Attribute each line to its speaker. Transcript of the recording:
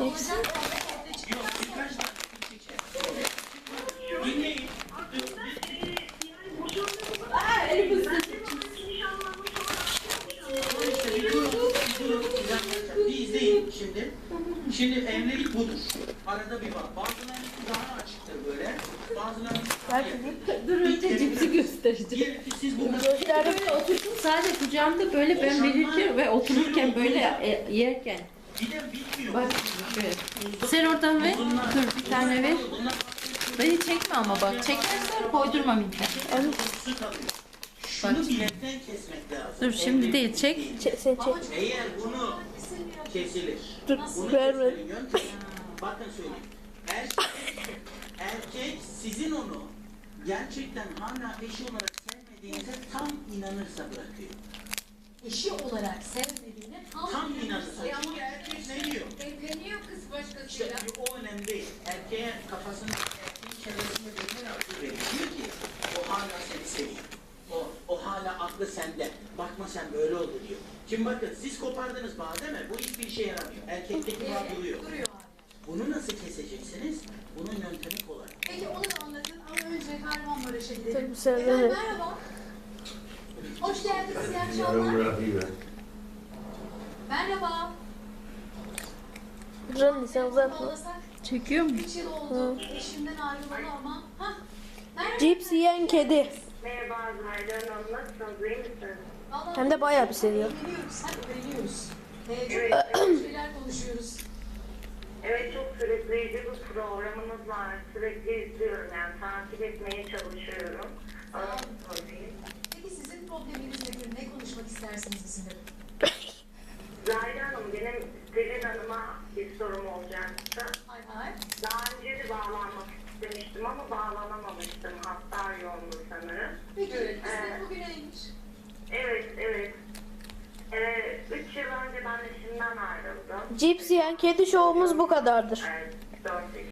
Speaker 1: Yok, birkaç tane çeker. Dinleyin. İşte bir durun, bir izleyin şimdi. Şimdi evlilik budur. Arada bir bak. Bazılarının daha açıktır böyle. Bazılarının daha yakın.
Speaker 2: Dur önce cipsi göstereceğim.
Speaker 1: Diyelim ki siz bunu
Speaker 2: Böyle oturdum sadece kucağımda böyle ben verirken ve otururken böyle yerken.
Speaker 1: bir de bitmiyor.
Speaker 2: Bak böyle. Sen oradan ver. Dur bir tane ver. Beni çekme ama bak. Çekersen koydurma midden.
Speaker 1: Su kalıyor. Şunu bilekten kesmek lazım.
Speaker 2: Dur şimdi değil çek.
Speaker 3: Sen çek.
Speaker 1: Eğer bunu kesilir.
Speaker 3: Dur,
Speaker 1: Bunu
Speaker 3: verme.
Speaker 1: kesmenin yöntemi. Bakın söyleyeyim. Erkek sizin onu gerçekten hala eşi olarak sevmediğinize tam inanırsa bırakıyor.
Speaker 4: Eşi olarak sevmediğine
Speaker 1: Tam inanırsa. Çünkü erkek ne diyor?
Speaker 4: evleniyor kız
Speaker 1: İşte
Speaker 4: başkasıyla.
Speaker 1: o önemli değil. Erkeğe kafasını, erkeğin çevresinde birine akıl veriyor. Diyor ki o hala seni seviyor. O hala aklı sende. Bakma sen böyle oldu diyor. Şimdi bakın siz kopardınız bağı değil mi? Bu hiçbir işe yaramıyor. Erkekteki bağ duruyor.
Speaker 4: Duruyor hala.
Speaker 1: Bunu nasıl keseceksiniz? Bunun yöntemi kolay.
Speaker 4: Peki onu da anlatın ama önce Kahramanmaraş'a gidelim.
Speaker 3: Tabii sen de.
Speaker 4: Efendim merhaba. Hoş geldiniz, iyi akşamlar. Merhaba.
Speaker 3: Rani sen uzatma.
Speaker 4: Bağlasak
Speaker 2: Çekiyor mu?
Speaker 4: 3 yıl oldu. Eşimden ayrılalı ama. Hah. Merhaba.
Speaker 3: Cips yiyen kedi.
Speaker 5: Merhaba Zahide Hanım, nasılsınız, iyi misiniz?
Speaker 4: Vallahi
Speaker 3: Hem de bayağı bir seviyor.
Speaker 4: Eğleniyoruz. Hadi eğleniyoruz.
Speaker 5: Evet.
Speaker 4: Çok güzel şeyler konuşuyoruz.
Speaker 5: Evet, çok sürükleyici bir programınız var. Sürekli izliyorum, yani takip etmeye çalışıyorum. Anlatayım.
Speaker 4: Peki sizin probleminiz nedir? Ne konuşmak istersiniz bizimle?
Speaker 5: Zahide Hanım, benim Selin Hanım'a bir sorum olacaktı.
Speaker 4: Hay hay.
Speaker 5: Daha önce de bağlanmak istemiştim ama bağlanamamıştım. Hatta yoğundu sanırım.
Speaker 4: Peki kısmet bugüneymiş.
Speaker 5: Evet, evet. 3 yıl önce ben eşimden ayrıldım.
Speaker 3: Cips yiyen kedi şovumuz bu kadardır.
Speaker 5: 4